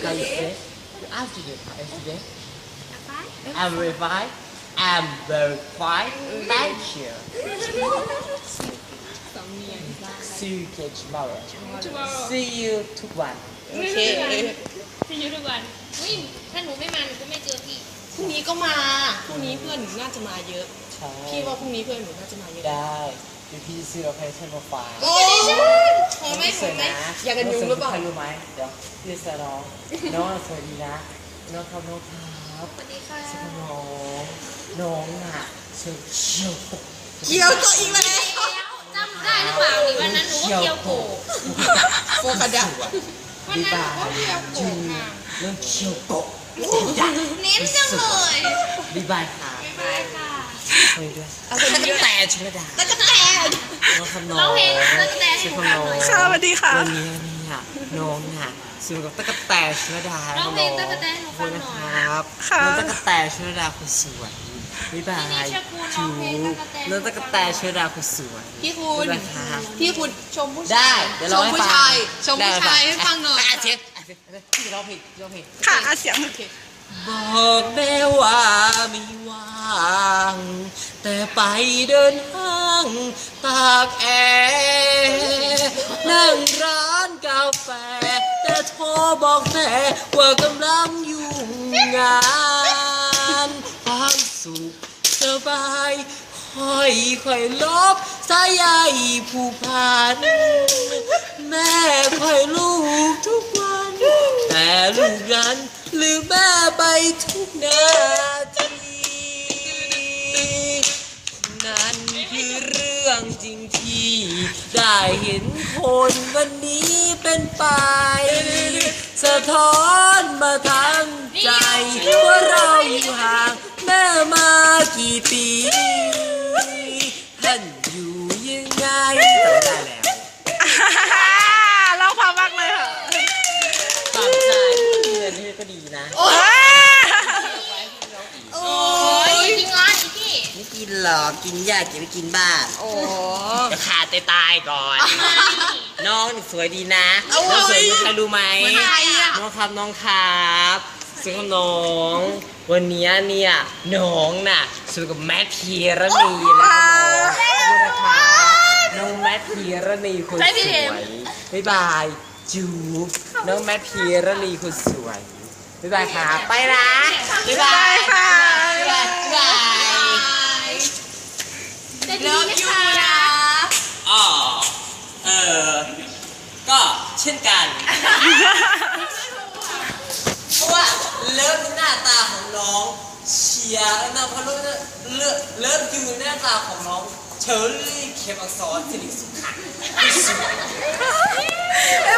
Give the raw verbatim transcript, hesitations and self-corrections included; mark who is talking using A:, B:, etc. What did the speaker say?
A: How you say? You ask me how you say? I'm very fine. I'm very fine. Thank you. See you again tomorrow. See you ทุกวัน
B: โอเค
C: พี่ยุทุกวันอุ้ยถ้าหนูไม่มาหนูก็ไม่เจอพี่
B: พรุ่งนี้ก็มาพรุ่งนี้เพื่อนหนูน่าจะมาเยอะ
A: ใช่
B: พี่ว่าพรุ่งนี้เพื่อนหนูน่าจะมาเยอะ
A: ได้เดี๋ยวพี่ซื้อเราให้ท่านมาฝาก
B: โอ้ยหอมไหมหอมไหมอยากกันยุงหรือเปล่า
A: ใครรู้ไหมเดี๋ยวพี่จะน้องน้องสวัสดีนะน้องครับน้องครับ
C: สวัสดีค่ะ
A: ชื่อน้องน้องอ่ะเชียวเชียวโก
B: เกี่ยวตัวอีกแล้ว
C: จำได้หรือเปล่านี่วันนั้นหนูก็เกียวโก
B: โฟกัสดัง
C: วันนั้นหนูก็เกียวโก
A: จู
C: ค่ะ
A: เรื่องเชียวโก
C: เน้นจังเลย
A: บ๊ายบายค่ะ
C: บ๊ายบายค่ะ
A: คุยด้วย
B: เอาคน
A: ตั้ง
B: เยอะ
A: แต่ชลดา
B: ตะกะแตน
A: น้องครับน้อง
C: เราเพลงตะกะแตนให้
A: ชื่อ
C: หนู
A: น้
C: ฟัง
A: อง
C: หน่อย
B: ค่ะสวัสดีค่ะ
A: วันนี้เนี่ยน้องอ่ะซื้อกับตะกะแตนชลดา
C: ร้องเพลงตะกะแตนให้หนูฟังหน่อย
A: ครับ
B: ค่ะ
A: น้องตะกะแตนชลดาคนสวยบ๊ายบาย
C: พี่นิชคุณร้องเพลงตะกะแตน
A: น้องตะกะแตนชลดาคนสวย
B: พี่คุณ
A: บ๊ายบายครับ
B: พี่คุณชมผู้
A: ได้
B: ชาย
A: เดี๋ยว
B: ช
A: ร้อง
B: ม
A: ให้
B: ผู้
A: ฟัง
B: ชายชมผู้ชายให้ฟังหน่อย
A: อ่ะเสียงอ่ะเสียงพี่จะร้องเพลงร้องเพลง
B: ค่ะเสียงโอเค
A: บอกแม่ว่าไม่ว่าง แต่ไปเดินห้างตากแอร์นั่งร้านกาแฟ แต่โทรบอกแม่ว่ากำลังยุ่งงานความสุขสบายค่อยค่อยลบสายใยผู้พัน แม่ค่อยลูกทุกวัน แต่ลูกนั้นลืมแม่ไปทุกนาที นั่นคือเรื่องจริงที่ได้เห็นคนวันนี้เป็นไป สะท้อนมาทั้งใจ ว่าเราอยู่ห่างแม่มากี่ปี ท่านอยู่ยังไงจำได้แล้ว
B: เราพามากเลยค่ะ
A: ปรับใจเงินนี่ก็ดีนะ
B: โอ้ย
C: โอ้ยจริงเหรออีพี่
A: ไม่กินหรอกกินยากกินไม่กินบ้าน
B: โอ้
A: จะขาดตายก่อน น้องนี่สวยดีนะ
B: โอ้ย
A: น้องสวยมีใครรู้ไหม
B: ใครอะ
A: น้องครับน้องครับซึ่งน้อง วันนี้เนี่ยน้องน่ะสวยกับแมทพีรณีนะครับน้องขอบคุณนะคะน้องแมทพีรณีคนสวยบ๊ายบายจูบน้องแมทพีรณีคนสวยบ๊ายบายครับไปนะบ๊ายบาย
B: ค่ะ
A: บ๊ายบาย
C: จะ
B: เลิ
C: ดี
B: ฟ
C: ไหม
B: ยู
C: คะ
B: นะ
A: อ๋อเออก็เช่นกัน เพราะว่าเลิฟหน้าตาของน้องเชียร์นะเพราะเลิฟเลิฟเลิฟอยู่หน้าตาของน้องเชอรี่เข็มอักษรสิริสุขะสวย